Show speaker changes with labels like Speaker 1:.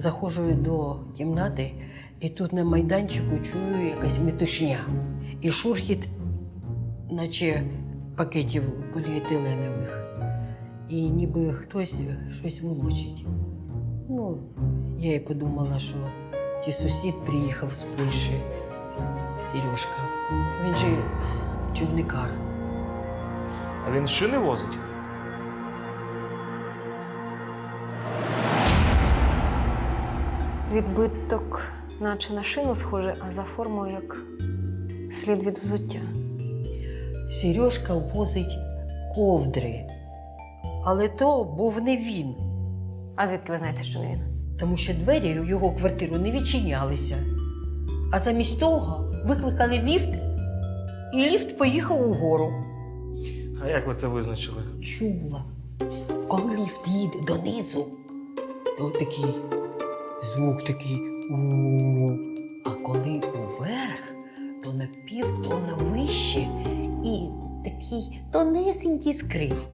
Speaker 1: Заходжу до кімнати, і тут на майданчику чую якась метушня. І шурхіт, наче пакетів поліетиленових. І ніби хтось щось волочить. Ну, я і подумала, що ті сусід приїхав з Польщі, Сережка. Він же човникар.
Speaker 2: А він шини возить?
Speaker 3: Відбиток, наче на шину схоже, а за формою як слід від взуття.
Speaker 1: Сережка возить ковдри. Але то був не він,
Speaker 3: А звідки ви знаєте, що не він?
Speaker 1: тому що двері в його квартиру не відчинялися. А замість того викликали ліфт, і ліфт поїхав угору.
Speaker 2: А як ви це визначили?
Speaker 1: Чула. Коли ліфт їде донизу, то такий звук такий у. А коли уверх, то на півтона вище і такий тонесенький скрип.